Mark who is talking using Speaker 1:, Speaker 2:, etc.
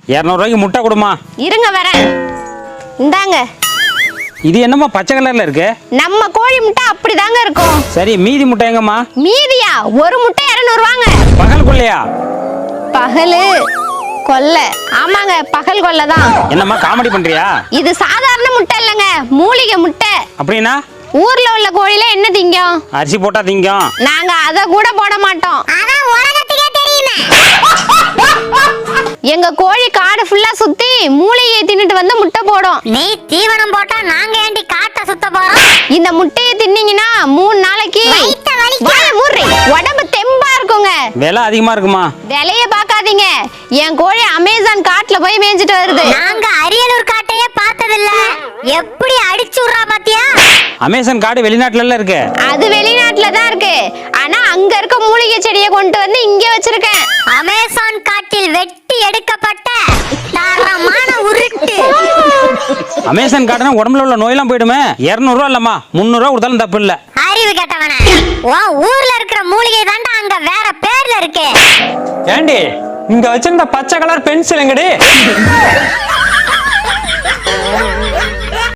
Speaker 1: 200 ரூபாய்க்கு முட்டை கொடுமா.
Speaker 2: இருங்க வரேன். இந்தாங்க.
Speaker 1: இது என்னம்மா பச்சை கலர்ல இருக்கு?
Speaker 2: நம்ம கோழி முட்டை அப்படிதாங்க இருக்கும்.
Speaker 1: சரி, மீதி முட்டை எங்கம்மா?
Speaker 2: மீதியா? ஒரு முட்டை 200 ரூபாங்க.
Speaker 1: பகல் கொள்ளையா?
Speaker 2: பகலு கொல்லை. ஆமாங்க, பகல் கொல்லை தான்.
Speaker 1: என்னம்மா காமெடி பண்றியா?
Speaker 2: இது சாதாரண முட்டை இல்லைங்க, மூலிகை முட்டை.
Speaker 1: அப்படின்னா
Speaker 2: ஊர்ல உள்ள கோழில என்ன திங்கும்?
Speaker 1: அரிசி போட்டா திங்கும்.
Speaker 2: நாங்க அத கூட போட மாட்டோம்.
Speaker 3: அதான் உலகத்துக்கே தெரியுமே.
Speaker 2: எங்க கோழி காடு ஃபுல்லா சுத்தி மூலிகையை தின்னுட்டு வந்து முட்டை போடும்.
Speaker 3: நீ தீவனம் போட்டா நாங்க ஏண்டி காட்ட சுத்த போறோம்?
Speaker 2: இந்த முட்டையை தின்னீங்கன்னா 3 நாளைக்கு
Speaker 3: வயித்த வலிக்கும்.
Speaker 2: வாயை மூடுறி. உடம்பு தெம்பா இருக்குங்க.
Speaker 1: விலை அதிகமா இருக்குமா?
Speaker 2: விலைய பாக்காதீங்க. என் கோழி அமேசான் காட்டுல போய் மேய்ஞ்சிட்டு வருது.
Speaker 3: நாங்க அரியலூர் காட்டையே பார்த்ததில்ல. எப்படி அடிச்சு விடுறா பாத்தியா?
Speaker 1: அமேசான் காடு வெளிநாட்டுல இருக்கு.
Speaker 2: அது வெளிநாட்டுல தான் இருக்கு. ஆனா அங்க இருக்க மூலிகை செடியை கொண்டு வந்து இங்க வச்சிருக்கேன்.
Speaker 3: அமேசான் காட்டில் வெட்டி எடுக்கப்பட்ட தரமான உருட்டு.
Speaker 1: அமேசான் காடுனா உடம்புல உள்ள நோயெல்லாம் போயிடுமே. 200 ரூபா இல்லம்மா, 300 ரூபா கொடுத்தாலும் தப்பு இல்ல.
Speaker 3: அறிவு கேட்டவன, உன் ஊர்ல இருக்கிற மூலிகை தாண்டா அங்க வேற பேர்ல இருக்கு.
Speaker 4: ஏண்டி இங்க வச்சிருந்த பச்சை கலர் பென்சில் எங்கடி?